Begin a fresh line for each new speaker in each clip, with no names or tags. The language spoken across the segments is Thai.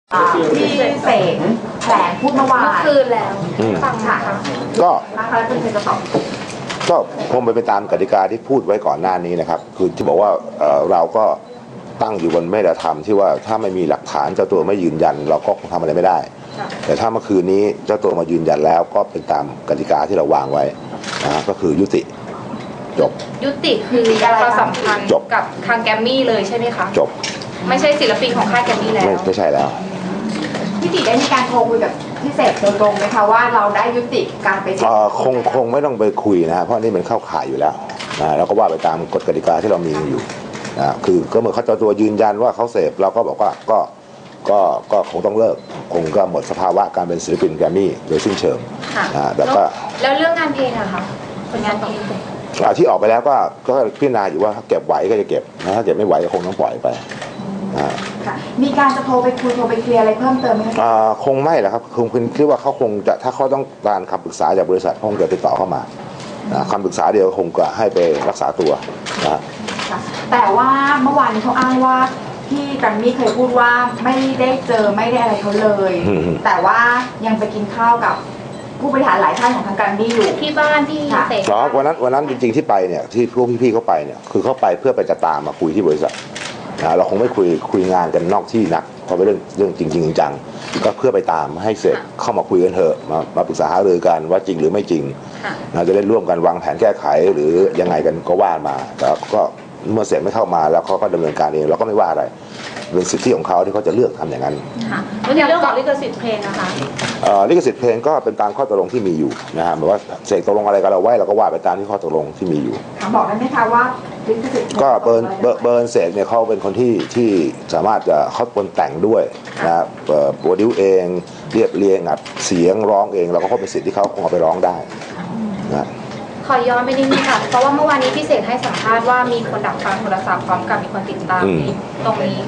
ที่เสกแถลงพูดเมื่อวาน
คืนแล้วฟังค่ะ
ก็นะคะคุณเสกจะตอบ
ก็คงไปตามกติกาที่พูดไว้ก่อนหน้านี้นะครับคือที่บอกว่าเราก็ตั้งอยู่บนมาตรฐานที่ว่าถ้าไม่มีหลักฐานเจ้าตัวไม่ยืนยันเราก็คงทำอะไรไม่ได้แต่ถ้าเมื่อคืนนี้เจ้าตัวมายืนยันแล้วก็เป็นตามกติกาที่เราวางไว้นะก็คือยุติจบ
ยุติคือความสัมพันธ์กับทางแกรมมี่เลยใช่ไหมคะ
จบ
ไม่ใช่ศิลปินของค่ายแกรมมี่แล้ว
ไม่ใช่แล้ว
พี่ติได้มีการโทรคุยกับพี่เสกโดยตรงไหมคะว่าเราได้ยุติการไป
คงไม่ต้องไปคุยนะเพราะนี่มันเข้าข่ายอยู่แล้วนะเราก็ว่าไปตามกฎกติกาที่เรามีอยู่นะคือก็เมื่อเขาเจ้าตัวยืนยันว่าเขาเสพเราก็บอกว่าก็คงต้องเลิกคงก็หมดสภาวะการเป็นศิลปินแกรมมี่โดยสิ้นเชิง
แต่ก็แล้วเรื่องงานเพลงอะคะผลงานเพลง
ที่ออกไปแล้วก็พิจารณาอยู่ว่าถ้าเก็บไหวก็จะเก็บนะถ้าเก็บไม่ไหวก็คงต้องปล่อยไป
มีการจะโทรไปคุยโทรไปเคลียร์อะไรเพิ่มเติมไหมคะ
คงไม่แหละครับคงคิดว่าเขาคงจะถ้าเขาต้องการคำปรึกษาจากบริษัทคงจะติดต่อเข้ามาคำปรึกษาเดียวคงจะให้ไปรักษาตัวนะ
แต่ว่าเมื่อวานเขาอ้างว่าพี่แกรมมี่เคยพูดว่าไม่ได้เจอไม่ได้อะไรเขาเลยแต่ว่ายังไปกินข้าวกับผู้บริหารหลายท่านของทางแกรมมี่อยู่
ที่บ้านที่เสก
วันนั้นจริงๆที่ไปเนี่ยที่พวกพี่ๆเขาไปเนี่ยคือเขาไปเพื่อไปจะตามมาคุยที่บริษัทเราคงไม่คุยงานกันนอกที่นักเพราะเป็นเรื่องจริงจังก็เพื่อไปตามให้เสร็จเข้ามาคุยกันเถอะมาปรึกษาหารือกันว่าจริงหรือไม่จริงจะได้ร่วมกันวางแผนแก้ไขหรือยังไงกันก็ว่ามาแต่ก็เมื่อเสร็จไม่เข้ามาแล้วเขาก็ดำเนินการเองเราก็ไม่ว่าอะไรเป็นสิทธิของเขาที่เขาจะเลือกทำอย่างนั้น
แล้วในเรื่องของลิขสิทธิ์เพลงนะคะ
ลิขสิทธิ์เพลงก็เป็นตามข้อตกลงที่มีอยู่นะฮะหมายว่าเสกตกลงอะไรกันเราไว้เราก็ว่าไปตามที่ข้อตกลงที่มีอยู่
บอกได้ไหมคะว่าลิขสิทธิ์
ก็เบิร์นเสกเนี่ยเขาเป็นคนที่สามารถจะเขาเป็นแต่งด้วยนะโปรดิวเองเรียบเรียงอัดเสียงร้องเองเราก็เป็นสิทธิ์ที่เขาคงเอาไปร้องได้นะ
ขอย้อนไปนิดนึงค่ะเพราะว่าเมื่อวานนี้พี่เสกให้สัมภาษณ์ว่ามีคนดักฟังโทรศัพท์พร้อมกับมีคนติดตามตรงนี้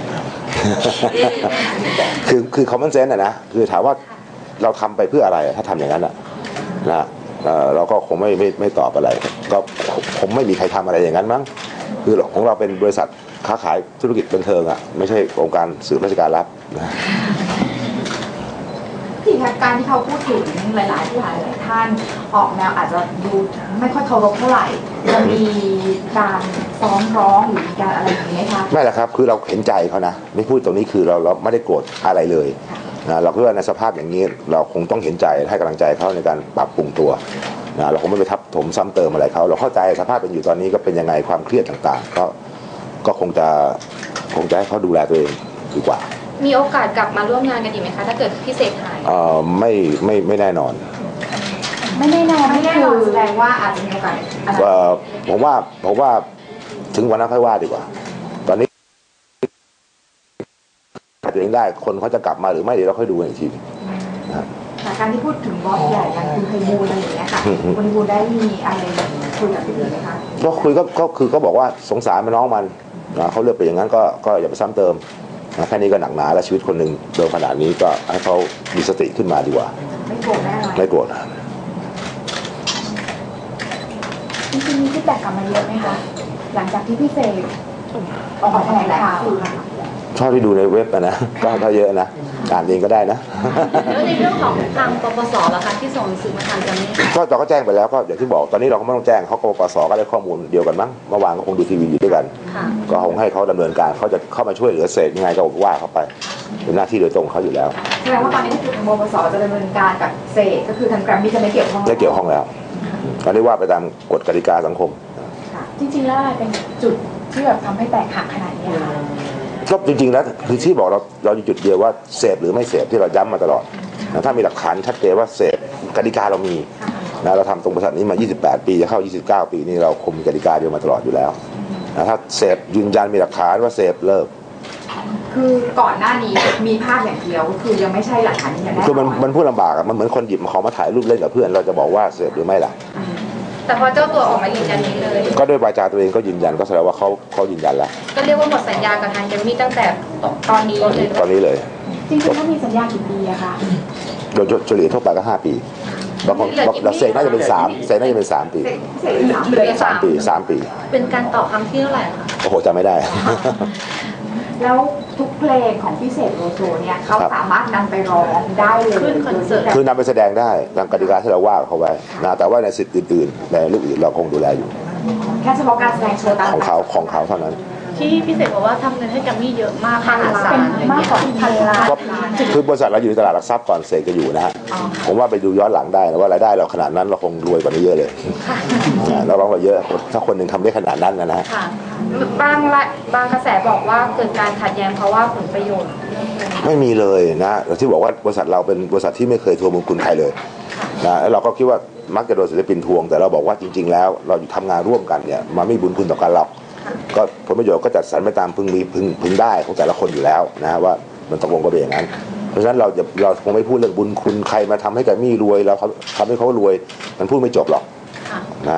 คือcommon senseนะคือถามว่าเราทำไปเพื่ออะไรถ้าทำอย่างนั้นนะเราก็คงไม่ตอบอะไรก็คงไม่มีใครทำอะไรอย่างนั้นมั้งคือของเราเป็นบริษัทค้าขายธุรกิจบันเทิงไม่ใช่องค์การสืบราชการลับนะ
ที่การที่เขาพูดถึงหลายท่านออกแนวอาจจะดูไม่ค่อยเคารพเท่าไหร่จะมีการฟ้องร้องหรือมีการอะไรอย่างนี้ไหมคะ
ไม่ละครับคือเราเห็นใจเขานะไม่พูดตรงนี้คือเราไม่ได้โกรธอะไรเลยนะเราคิดว่าในสภาพอย่างนี้เราคงต้องเห็นใจให้กำลังใจเขาในการปรับปรุงตัวนะเราคงไม่ไปทับถมซ้ำเติมอะไรเขาเราเข้าใจสภาพเป็นอยู่ตอนนี้ก็เป็นยังไงความเครียดต่างๆก็คงจะให้เขาดูแลตัวเองดีกว่า
มีโอกาสกลับมาร่วมงานกันอีกไหมคะถ้าเกิดพี่เสกหาย
ไม่แน่นอน
ไม่แน่นอนแสดงว่าอาจจะมีโอกาส
ผมว่าถึงวันนั้นค่อยว่าดีกว่าตอนนี้ตัวเองได้คนเขาจะกลับมาหรือไม่เดี๋ยวเราค่อยดูอีกที
การที่พูดถึงบอสใหญ่อย่างคุณไพบูลย์อะไรอย่างเงี้ยค่ะคุณไพบูลย์ได้มีอะไรคุยกับพี่ไหมคะ
ก็คุยก็คือก็บอกว่าสงสารน้องมันเขาเลือกไปอย่างนั้นก็อย่าไปซ้ำเติมแค่นี้ก็หนักหนาแล้วชีวิตคนหนึ่งโดนขนาดนี้ก็ให้เขามีสติขึ้นมาดีกว่า
ไม่โกรธแน่นอน
ไม่โกรธ
จริงๆมีฟีดแบ็กกลับมาเยอะไหมคะหลังจากที่พี่เสกออกมาแถลงข่าว
ชอบที่ดูในเว็บนะก็เยอะนะอ่านเองก็ได้นะ
แล้วในเรื่องของทางปปสล่ะคะที่ส่งหนังสือมาทางแกรมมี่
ก็เราก็แจ้งไปแล้วก็อย่างที่บอกตอนนี้เราก็ไม่ต้องแจ้งเขาปปสก็ได้ข้อมูลเดียวกันมั้งเมื่อวานก็คงดูทีวีอยู่ด้วยกันก็คงให้เขาดำเนินการเขาจะเข้ามาช่วยเหลือเสกยังไงก็ว่าเขาไปเป็นหน้าที่โดยตรงเขาอยู่แล้ว
แสดงว่าตอนนี้คือทางปปสจะดำเนินการกับเสกก็คือทางแกรมมี่จะไม่เกี่ยวข้
องแล้วก็ได้ว่าไปตามกฎกติกาสังคม
จริงๆแล้วอะไรเป็นจุดที่แบบทำให้แตกหักขนาดนี้คะ
ก็จริงๆแล้วคือที่บอกเราอยู่จุดเดียวว่าเสพหรือไม่เสพที่เราย้ำมาตลอดถ้ามีหลักฐานชัดเจนว่าเสพกติกาเรามีเราทำตรงบริษัทนี้มา28 ปีจะเข้า29 ปีนี่เราคงมีกติกาเดียวมาตลอดอยู่แล้วถ้าเสพยืนยันมีหลักฐานว่าเสพเลิก
คือก่อนหน้านี้มีภาพอย่างเดียวคือยังไม่ใช่หลักฐานที่แน่
คือมันพูดลำบากมันเหมือนคนหยิบของมาถ่ายรูปเล่นกับเพื่อนเราจะบอกว่าเสพหรือไม่ล่ะ
แต่พอเจ้าตัวออกมายืนยันนี้เลย
ก็ด้วยวาจาตัวเองก็ยืนยันก็แสดงว่าเขายืนยันแล้ว
ก็เรียกว่าหมดสัญญากับทางแกรมมี่ตั้งแต่ตอนนี้
เลย
จริงๆถ้ามีสัญญากี่ปีอะคะ
โดยเฉลี่ยทั่วไปก็5 ปีบางคนเราเสกน่าจะเป็น3เสกน่าจะเป็น3 ปี
3 ปีเป็นการต่อครั้งที่เท่าไหร่คะ
โอ้โหจำไม่ได้
แล้วทุกเพลงของพี่เสกโลโซเนี่ยเขา
ครับ
สามารถนำไปร้องได้เลย
ขึ้นคอนเสิร์ต
คือนำไปแสดงได้ตามกติกาที่เราว่าเขาไว้นะแต่ว่าในสิทธิ์อื่นๆในเรื่องอื่นเราคงดูแลอยู่
แค่เฉพาะการแสดงโชว์ตาม
ของเขาเท่านั้น
ที่พี่เสกบอกว่าทำเงินให้แกรมมี่เยอะมากมหาศาล
เป็นมากกว่าพันล้าน
ก็คือบริษัทเราอยู่ในตลาดหลักทรัพย์ก่อนเสกจะอยู่นะฮะผมว่าไปดูย้อนหลังได้นะว่ารายได้เราขนาดนั้นเราคงรวยกว่านี้เยอะเลยเราร้องเราเยอะถ้าคนหนึ่งทำได้ขนาดนั้นนะ
ค่ะบางกระแสบอกว่าเกิดการขัดแย้งเพราะว่าผลประโยชน์
ไม่มีเลยนะที่บอกว่าบริษัทเราเป็นบริษัทที่ไม่เคยทวงบุญคุณใครเลยนะแล้วเราก็คิดว่ามักจะโดนศิลปินทวงแต่เราบอกว่าจริงๆแล้วเราทำงานร่วมกันเนี่ยมันไม่มีบุญคุณต่อกันหรอกก็ผลประโยชน์ก็จัดสรรไปตามพึงได้ของแต่ละคนอยู่แล้วนะว่ามันตกลงกันไปอย่างนั้นเพราะฉะนั้นเราคงไม่พูดเรื่องบุญคุณใครมาทำให้แกรมมี่รวยแล้วเขาทำให้เขารวยมันพูดไม่จบหรอกนะ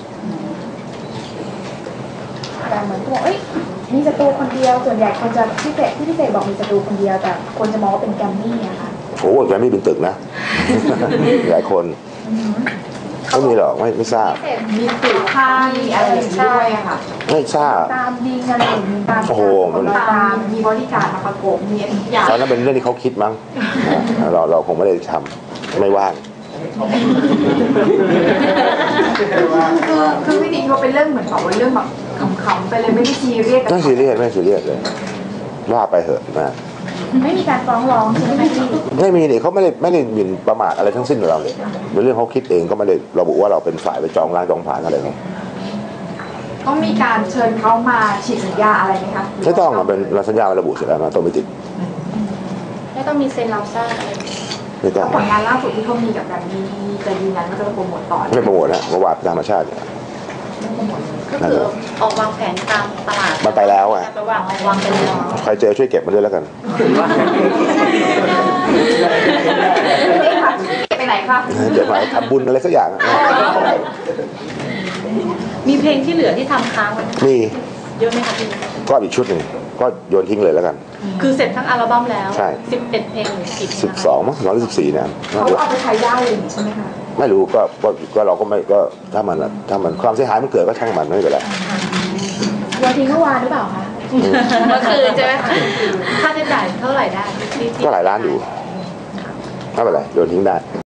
แต่เหมือนกับเอ้ยมีศัตรูคนเดียวส่วนใหญ่คนจะพี่เสกบอกมีศัตรูคนเดียวแต่คนจะมองว่าเป็นแกรมมี่อะค่ะ
โอ้แกรมมี่เป็นตึกนะ หลายคนไม่มีหรอกไม่ทราบ
มีสื่อค่ายมีอะไรอย่างนี้ด้วยอะค่ะ
ไม่ทราบ
ตามยิงอะไรอย่างนี้ตาม
โอ้โหมัน
ตามมีบริการมาประกบมีทุกอย่าง
ตอนนั้นเป็นเรื่องที่เขาคิดมั้งนะเราคงไม่ได้ทำไม่ว่าง
คือพี่ดีเขาเป็นเรื่องเหมือนแบบว่าเรื่องแบบขำๆไปเลยไม่ได้ซีเรียส
ไม่ซีเรียสเลยว่าไปเหอะนะ
ไม่มีการฟ้องร้องใช่ไหมพี่
ไม่มีนี่เขาไม่ได้หมิ่นประมาทอะไรทั้งสิ้นกับเราเลยเป็นเรื่องเขาคิดเองก็ไม่ได้ระบุว่าเราเป็นฝ่ายไปจองร้านจองผ่านอะไรหรอก
ต้องมีการเชิญเขามาฉีดสัญญาอะไรไหมคะ
ไม่ต้องอ่ะเป็นสัญญาระบุเสร็จแล้วนะต้องไม่ติด
ไม่ต้องมีเซ็นรับทราบอะไร
ไม่ต้อง
ผลงานล่าสุดที่เขามีกับแบบนี้จะยืนยันว่าจะโปรโมทต่อ
ไม่โปรโมทนะเมื่อวานธรรมชาติเนี่ย
ก็คือออกวางแผนตามตลาด
มันไปแล้วอ่ะ
ไปวางไปแล้ว
ใครเจอช่วยเก็บมาด้วยแล้วกัน
นี่ค่ะไปไหนคะ
เดี๋ยวมาทำบุญอะไรสักอย่าง
มีเพลงที่เหลือที่ทำค้างไว้
มี
เยอะไหมคะพี่
ก็อีกชุดหนึ่งก็โยนทิ้งเลยแล้วกัน
คือเสร็จทั้งอัลบั้มแล้ว
ใช่
11เพลงหรือกี่เพลง
12มั้ง114เนี่ย
เขาเอาไปใช้ได้เลยใช่ไหมคะ
ไม่รู้ก็เราก็ไม่ก็ถ้ามันความเสียหายมันเกิดก็ช่างมันไม่เป็นไร
โยนทิ้งเมื่อวานหรือเปล่าคะ
เมื่อคืนใช่ไหมคะค่าใช้จ่ายเท่าไหร่ได้ที่
ก็หลายล้านอยู่ไม่เป็นไรโยนทิ้งได้